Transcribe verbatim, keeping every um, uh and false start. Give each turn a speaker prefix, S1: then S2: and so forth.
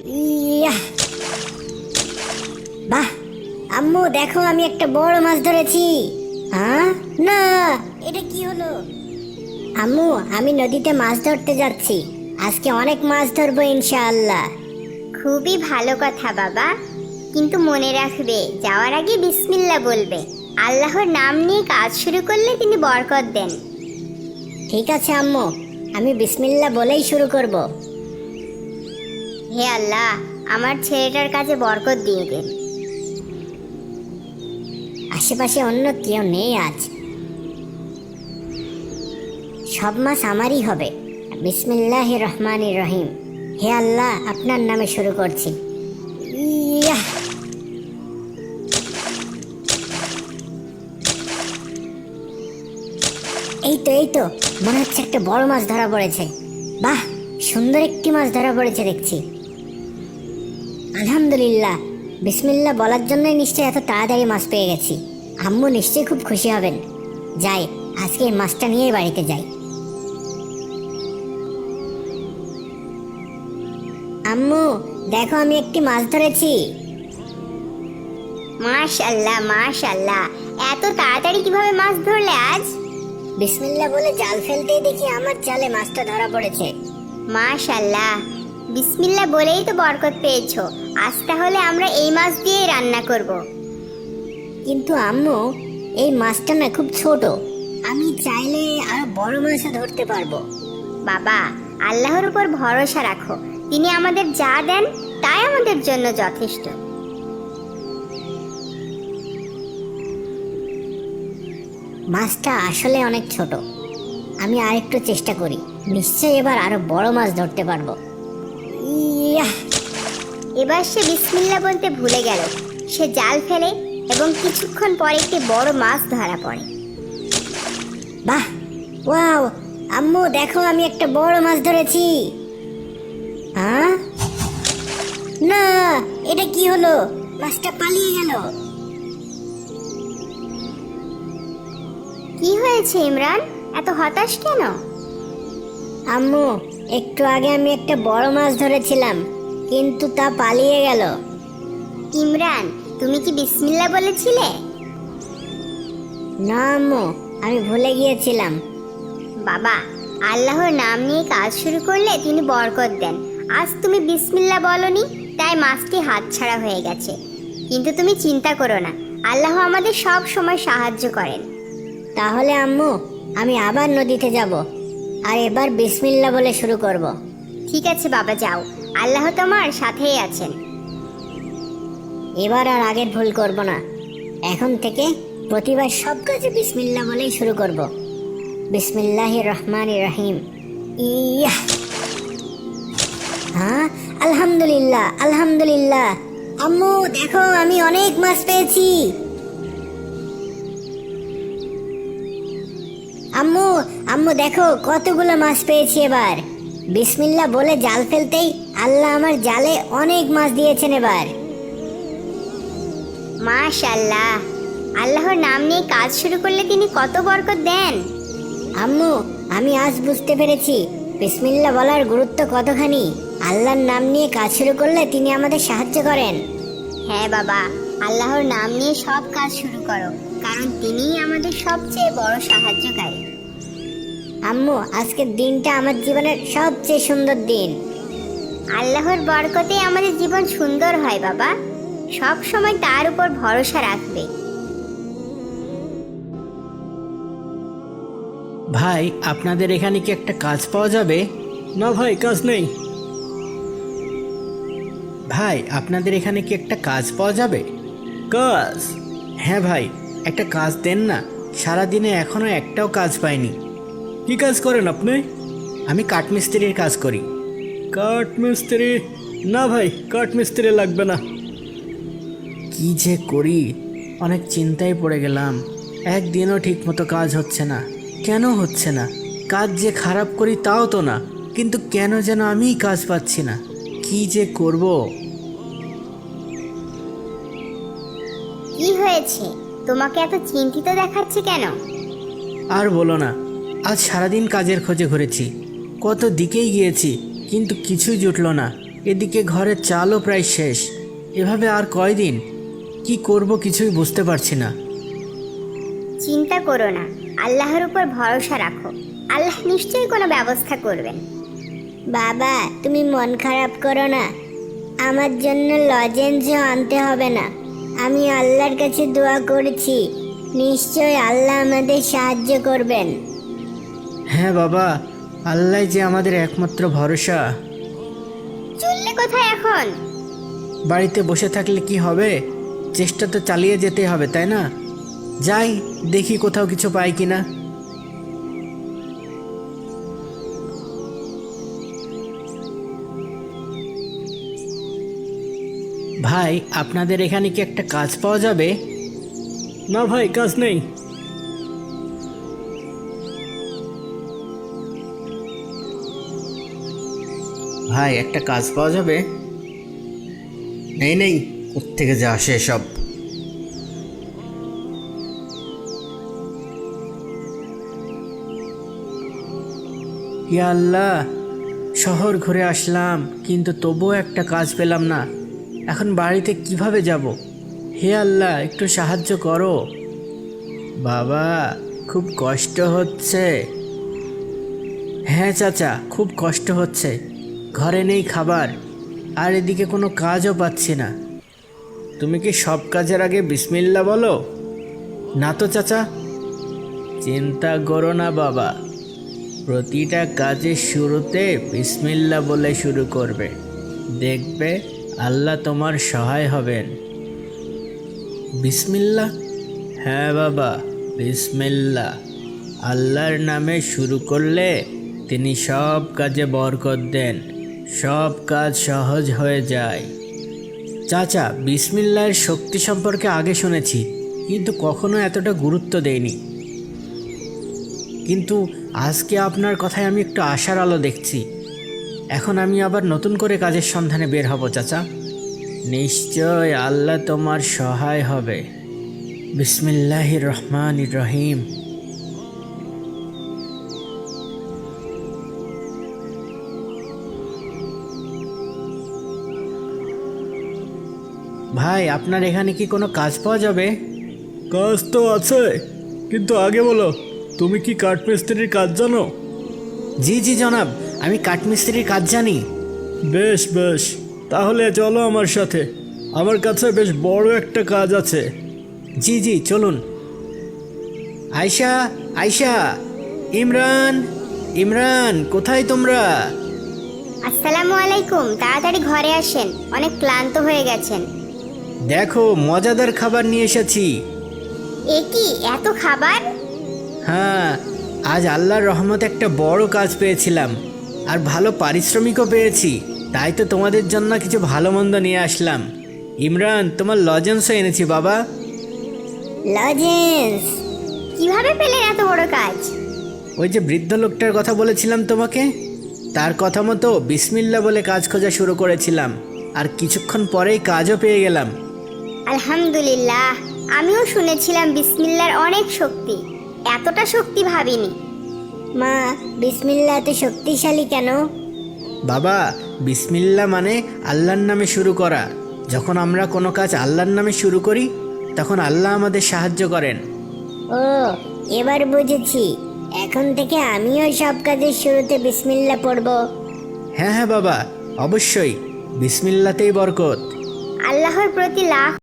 S1: Yeah! বাহ আম্মু, দেখো আমি একটা বড় মাছ ধরেছি। হ্যাঁ, না, এটা কি হলো? আম্মু, আমি নদীতে মাছ ধরতে যাচ্ছি। আজকে অনেক মাছ ধরবো ইনশাআল্লাহ।
S2: খুবই ভালো কথা বাবা, কিন্তু মনে রাখবে যাওয়ার আগে বিসমিল্লাহ বলবে। আল্লাহর নাম নিয়ে কাজ শুরু করলে তিনি বরকত দেন।
S1: ঠিক আছে আম্মু, আমি বিসমিল্লাহ বলেই শুরু করব।
S2: হে আল্লাহ, আমার ছেলেটার কাছে বরকত দিয়ে দেন।
S1: আশেপাশে অন্য কেউ নেই আজ, সব মাছ আমারই হবে। বিসমিল্লাহির রহমানির রহিম। হে আল্লাহ, আপনার নামে শুরু করছি। ইয়াহ! এই তো এই তো মনে হচ্ছে একটা বড় মাছ ধরা পড়েছে। বাহ, সুন্দর একটি মাছ ধরা পড়েছে দেখছি। আলহামদুলিল্লাহ, বিসমিল্লাহ বলার জন্যই নিশ্চয়ই এত তাড়াতাড়ি মাছ পেয়ে গেছি। আম্মু নিশ্চয়ই খুব খুশি হবেন। যাই, আজকে এই মাছটা নিয়ে বাড়িতে যাই। আম্মু, দেখো আমি একটি মাছ ধরেছি।
S2: মাশাআল্লাহ মাশাআল্লাহ, এত তাড়াতাড়ি কিভাবে মাছ ধরলে আজ?
S1: বিসমিল্লাহ বলে জাল ফেলতেই দেখি আমার জালে মাছটা ধরা পড়েছে।
S2: মাশাআল্লাহ, বিসমিল্লাহ বলেই তো বরকত পেয়েছো। আজ তাহলে আমরা এই মাছ দিয়েই রান্না করব।
S1: কিন্তু আম্মু, এই মাছটা না খুব ছোট, আমি চাইলে আরো বড় মাছও ধরতে পারবো।
S2: বাবা, আল্লাহর উপর ভরসা রাখো, তিনি আমাদের যা দেন তাই আমাদের জন্য যথেষ্ট।
S1: মাছটা আসলে অনেক ছোট, আমি আরেকটু চেষ্টা করি, নিশ্চয়ই এবার আরো বড় মাছ ধরতে পারবো। ইয়াহ!
S2: এবার সে বিসমিল্লাহ বলতে ভুলে গেল। সে জাল ফেলে এবং কিছুক্ষণ পরে একটি বড় মাছ ধরা পড়ে।
S1: বাহ, ওয়াও! আম্মু দেখো আমি একটা বড় মাছ ধরেছি। হ্যাঁ, না, এটা কি হলো? মাছটা পালিয়ে গেল।
S2: কি হয়েছে ইমরান, এত হতাশ কেন?
S1: আম্মু, একটু আগে আমি একটা বড় মাছ ধরেছিলাম, কিন্তু তা পালিয়ে গেল।
S2: ইমরান, তুমি কি বিসমিল্লাহ বলেছিলে?
S1: না আম্মু, আমি ভুলে গিয়েছিলাম।
S2: বাবা, আল্লাহর নাম নিয়ে কাজ শুরু করলে তিনি বরকত দেন। আজ তুমি বিসমিল্লাহ বলনি, তাই মাছটি হাতছাড়া হয়ে গেছে। কিন্তু তুমি চিন্তা করো না, আল্লাহ আমাদের সব সময় সাহায্য করেন।
S1: তাহলে আম্মু, আমি আবার নদীতে যাব, আর এবার বিসমিল্লাহ বলে শুরু করব।
S2: ঠিক আছে বাবা, যাও, আল্লাহ তোমার সাথেই আছেন।
S1: এবার আর আগের ভুল করব না। এখন থেকে প্রতিবার সব কাজে বিসমিল্লাহ বলেই শুরু করব। বিসমিল্লাহির রহমানির রহিম। ইয়াহ! হ্যাঁ, আলহামদুলিল্লাহ আলহামদুলিল্লাহ। আম্মু দেখো, আমি অনেক মাছ পেয়েছি। আম্মু আম্মু দেখো কতগুলো মাছ পেয়েছি এবার। বিসমিল্লাহ বলে জাল ফেলতেই আল্লাহ আমার জালে অনেক মাছ দিয়েছেন এবার।
S2: মাশাআল্লাহ, আল্লাহর নাম নিয়ে কাজ শুরু করলে তিনি কত বরকত দেন।
S1: আম্মু, আমি আজ বুঝতে পেরেছি বিসমিল্লাহ বলার গুরুত্ব কতখানি। আল্লাহর নাম নিয়ে কাজ শুরু করলে তিনি আমাদের সাহায্য করেন।
S2: হ্যাঁ বাবা, আল্লাহর নাম নিয়ে সব কাজ শুরু করো, কারণ তিনিই আমাদের সবচেয়ে বড় সাহায্যকারী।
S1: আম্মু, আজকের দিনটা আমার জীবনের সবচেয়ে সুন্দর দিন।
S2: আল্লাহর বরকতে আমাদের জীবন সুন্দর হয় বাবা, সব সময় তার উপর ভরসা রাখবে।
S3: ভাই, আপনাদের এখানে কি একটা কাজ পাওয়া যাবে?
S4: না ভাই, কাজ নেই।
S3: ভাই, আপনাদের এখানে কি একটা কাজ পাওয়া যাবে?
S4: কাজ?
S3: হ্যাঁ ভাই, একটা কাজ দেন না, সারাদিনে এখনো একটাও কাজ পাইনি।
S4: কি কাজ করেন আপনি?
S3: আমি কাঠমিস্ত্রির কাজ করি।
S4: কাঠ মিস্ত্রি? না ভাই, কাঠ মিস্ত্রি লাগবে না।
S3: কি যে করি, অনেক চিন্তায় পড়ে গেলাম। একদিনও ঠিকমতো কাজ হচ্ছে না। কেন হচ্ছে না? কাজ যে খারাপ করি তাও তো না, কিন্তু কেন যেন আমিই কাজ পাচ্ছি না। কি যে করব?
S2: কি হয়েছে, তোমাকে এত চিন্তিত দেখাচ্ছে কেন?
S3: আর বলো না, আজ সারাদিন কাজের খোঁজে ঘুরেছি, কত দিকেই গিয়েছি, কিন্তু কিছুই জুটলো না। এদিকে ঘরের চালও প্রায় শেষ। এভাবে আর কয়দিন কি করব কিছুই বুঝতে পারছি না।
S2: চিন্তা করো না, আল্লাহর উপর ভরসা রাখো, আল্লাহ নিশ্চয়ই কোনো ব্যবস্থা করবেন।
S1: বাবা তুমি মন খারাপ করো না, আমার জন্য লজেন্সও আনতে হবে না। আমি আল্লাহর কাছে দোয়া করেছি, নিশ্চয় আল্লাহ আমাদের সাহায্য করবেন।
S3: হ্যাঁ বাবা, আল্লাহ যে আমাদের একমাত্র ভরসা।
S2: চললে কোথায় এখন?
S3: বাড়িতে বসে থাকলে কি হবে, চেষ্টা তো চালিয়ে যেতে হবে, তাই না? যাই দেখি কোথাও কিছু পাই কিনা। ভাই, আপনাদের এখানে কি একটা কাজ পাওয়া যাবে?
S4: না ভাই, কাজ নেই।
S3: ভাই, একটা কাজ পাওয়া যাবে? নেই নেই, কোত্থেকে যা আসে সব। ইয়া আল্লাহ, শহর ঘুরে আসলাম কিন্তু তবুও একটা কাজ পেলাম না। এখন বাড়িতে কিভাবে যাব? হে আল্লাহ, একটু সাহায্য করো। বাবা, খুব কষ্ট হচ্ছে। হ্যাঁ চাচা, খুব কষ্ট হচ্ছে। ঘরে নেই খাবার, আর এদিকে কোনো কাজও পাচ্ছি না। তুমি কি সব কাজের আগে বিসমিল্লাহ বলো? না তো চাচা। চিন্তা করো না বাবা, প্রতিটা কাজের শুরুতে বিসমিল্লাহ বলে শুরু করবে, দেখবে আল্লাহ তোমার সহায় হবেন। বিসমিল্লাহ? হ্যাঁ বাবা, বিসমিল্লাহ। আল্লাহর নামে শুরু করলে তিনি সব কাজে বরকত দেন, সব কাজ সহজ হয়ে যায়। চাচা, বিসমিল্লাহর শক্তি সম্পর্কে আগে শুনেছি, কিন্তু কখনো এতটা গুরুত্ব দেইনি। কিন্তু আজকে আপনার কথায় আমি একটু আশার আলো দেখছি। এখন আমি আবার নতুন করে কাজের সন্ধানে বের হব চাচা। নিশ্চয় আল্লাহ তোমার সহায় হবে। বিসমিল্লাহির রহমানির রহিম। ভাই, আপনার এখানে কি কোনো কাজ পাওয়া যাবে?
S4: কাজ তো আছে, কিন্তু আগে বলো, তুমি কি কাঠমিস্ত্রির কাজ জানো?
S3: জি জি জনাব, আমি কাঠমিস্ত্রির কাজ জানি।
S4: বেশ বেশ, তাহলে চলো আমার সাথে, আমার কাছে বেশ বড় একটা কাজ আছে।
S3: জি জি চলুন। আয়শা, আয়শা, ইমরান, ইমরান, কোথায় তোমরা?
S2: আসসালামু আলাইকুম, তাড়াতাড়ি ঘরে আসেন, অনেক ক্লান্ত হয়ে গেছেন।
S3: দেখো, মজাদার খাবার নিয়ে এসেছি।
S2: এ কি এত খাবার?
S3: হ্যাঁ, আজ আল্লাহর রহমতে একটা বড় কাজ পেয়েছিলাম, আর ভালো পারিশ্রমিকও পেয়েছি। তাই তো তোমাদের জন্য কিছু ভালো মন্দ নিয়ে আসলাম। ইমরান, তোমার লজেন্সও এনেছি বাবা।
S1: লজেন্স?
S2: কিভাবে পেলেন এত বড় কাজ?
S3: ওই যে বৃদ্ধ লোকটার কথা বলেছিলাম তোমাকে, তার কথা মতো বিসমিল্লাহ বলে কাজ খোঁজা শুরু করেছিলাম, আর কিছুক্ষণ পরেই কাজও পেয়ে গেলাম।
S2: আলহামদুলিল্লাহ, আমিও শুনেছিলাম বিসমিল্লাহর অনেক শক্তি, এতটা শক্তি ভাবিনি।
S1: মা, বিসমিল্লাহ এত শক্তিশালী কেন?
S3: বাবা, বিসমিল্লাহ মানে আল্লাহর নামে শুরু করা। যখন আমরা কোনো কাজ আল্লাহর নামে শুরু করি, তখন আল্লাহ আমাদের সাহায্য করেন।
S1: ও, এবার বুঝেছি। এখন থেকে আমিও সব কাজের শুরুতে বিসমিল্লাহ পড়ব।
S3: হ্যাঁ হ্যাঁ বাবা, অবশ্যই, বিসমিল্লাতেই বরকত।
S2: আল্লাহর প্রতি লাখ